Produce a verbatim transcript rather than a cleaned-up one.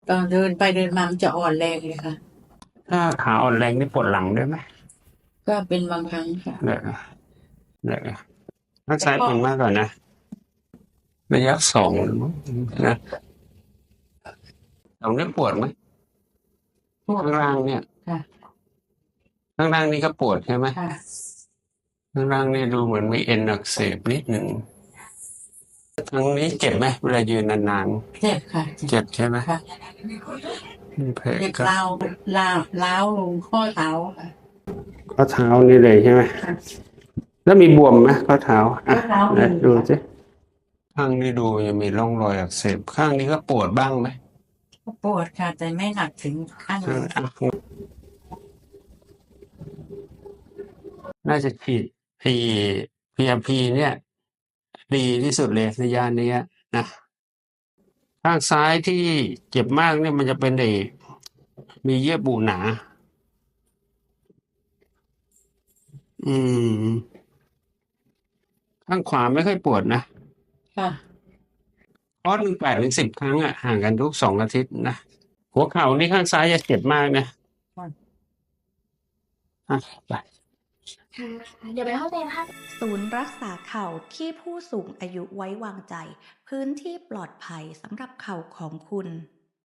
ตอนเดินไปเดินมามันจะอ่อนแรงเลยค่ะถ้าขาอ่อนแรงนี่ปวดหลังด้วยไหมก็เป็นบางครั้งค่ะเดี๋ยวเดี๋ยวข้างแต่ก็ซ้ายเป็นมากกว่านะระยะสองนะตรงนี้ปวดไหมปวดข้างล่างเนี่ยค่ะข้างล่างนี่ก็ปวดใช่ไหมค่ะข้างล่างนี่ดูเหมือนมีเอ็นอักเสบนิดหนึ่งทางนี้เจ็บไหมเวลายืนนานเจ็บค่ะๆเจ็บใช่ไหมค่ะมีแผลเจ็บก็ร้าวร้าวร้าวลงข้อเท้าค่ะข้อเท้านี่เลยใช่ไหมแล้วมีบวมไหมข้อเท้าอ่ะข้อเท้าไหนมีดูค่ะสิข้างนี้ดูยังมีร่องรอยอักเสบข้างนี้ก็ปวดบ้างไหมปวดค่ะแต่ไม่หนักถึงขั้นข้างอ่ะน่าจะฉีดพีพีอาร์พีเนี่ยดีที่สุดเลยในยานี้นะข้างซ้ายที่เจ็บมากเนี่ยมันจะเป็นเอมีเยื่อบุหนาอืมข้างขวาไม่ค่อยปวดนะค่ะคอร์สหนึ่งแปดถึงสิบครั้งอ่ะห่างกันทุกสองอาทิตย์นะหัวเข่านี่ข้างซ้ายจะเจ็บมากนะอ่ะไปค่ะเดี๋ยวไปเข้าใจนะคะศูนย์รักษาเข่าที่ผู้สูงอายุไว้วางใจพื้นที่ปลอดภัยสำหรับเข่าของคุณ